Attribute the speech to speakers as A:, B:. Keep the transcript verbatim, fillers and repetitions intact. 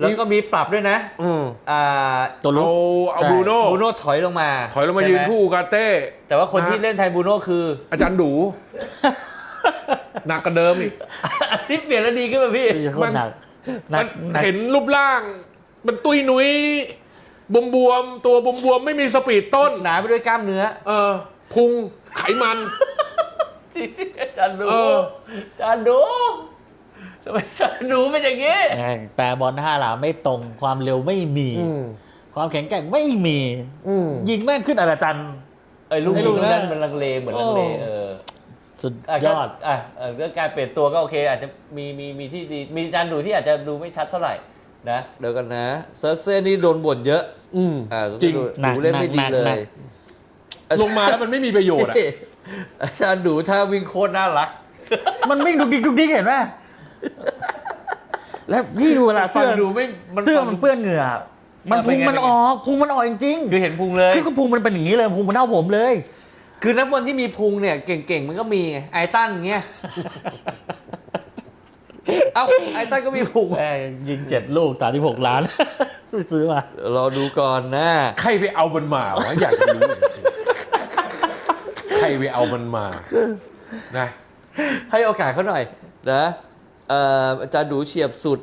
A: แล้วก็มีปรับด้วยนะ
B: อืม
A: อ่า
C: ตัวลุก
B: เอาเอา
C: ใช่
B: บรูโน่
A: บูโน่ถอยลงมา
B: ถอยลงมา
A: ใช่
B: ยื
A: ไห
B: นคู่กาเต้
A: แต่ว่าคนที่เล่นแทนบูโน่คือ
B: อาจารย์ดู หนักกว่าเดิมอีก
A: อันนี้เปลี่ยนแล้วดีขึ้นป่ะพี่
C: โคตรหนักหนั
B: มั
C: ก
B: น
C: หนัก
B: เห็นรูปร่าง มันตุยนุ้ยบวมบวมๆตัวบวมบวมๆไม่มีสปีดต้น
A: หนาไปด้วยกล้ามเนื้อ
B: เออ พุงไขมัน
A: ที่อาจารย์ดู
B: เออ
A: อาจารย์ดูทำไมอาจารย์ดูเป็นอย่างนี้
C: แม่งแปรบอลห้าหลาไม่ตรงความเร็วไม่มี
B: อืม
C: ความแข็งแกร่งไม่มี
B: อืม
C: ยิงแม่งขึ้นอาจารย์
A: ไอ้ลูก
C: ไอ้
A: นี้
C: ลูก
A: ลูก
C: นั้
A: นั้น นมันลังเลเหมือนลังเล
C: โอ้
A: เออ
C: สุด
A: อ่ะ
C: ย
A: ก็
C: อด
A: อ่ะเออก็การเปลี่ยนตัวก็โอเค อาจจะมีมีมีที่ดีมีอาจารย์ดูที่อาจจะดูไม่ชัดเท่าไหร่นะเดี๋ยวกันนะเซิร์กเซ่นี่โดนบ่นเยอะ
B: อืม
A: อ่า
B: จริง
A: ดู
C: หนัก
A: ดูเล่นไม่ดี
C: หนัก
A: เล
C: หนั
A: ย
C: ก
B: ลงมาแล้วมันไม่มีประโยชน์อ่ะ
A: อาจารย์ดูถ้าวิ่งโคตรน่ารัก
C: มันวิ่งดุกดิกดุกดิกเห็นไหมแล้วพี่ดูเวลา
A: ฟั
C: เสื้
A: ง
C: อ
A: ดูไม่มัน
C: เสื้อ
A: ฟัง
C: มันเปื้อนเหงื่อ มัน
A: เออเป็
C: พุ
A: น
C: ง
A: ไง
C: มันออกพุงมันออกจริง
A: คือเห็นพุงเลย
C: ๆคือก็พุงมันเป็นอย่างนี้เลยพุงมันเท่าผมเลย
A: คือนักบอลที่มีพุงเนี่ยเก่งๆมันก็มีไงไอตันเงี้ยเอ้าไอตันก็มีพุง
C: แม่งยิงเจ็ดลูกตาที่หกล้าน ไปซื้อมา
A: รอดูก่อนนะ
B: ใครไปเอามันมาวะอยากจะรู้จริงๆใครไปเอามันมานะ
A: ให้โอกาสเขาหน่อยนะเอ่ออาจารย์ดูเฉียบสุด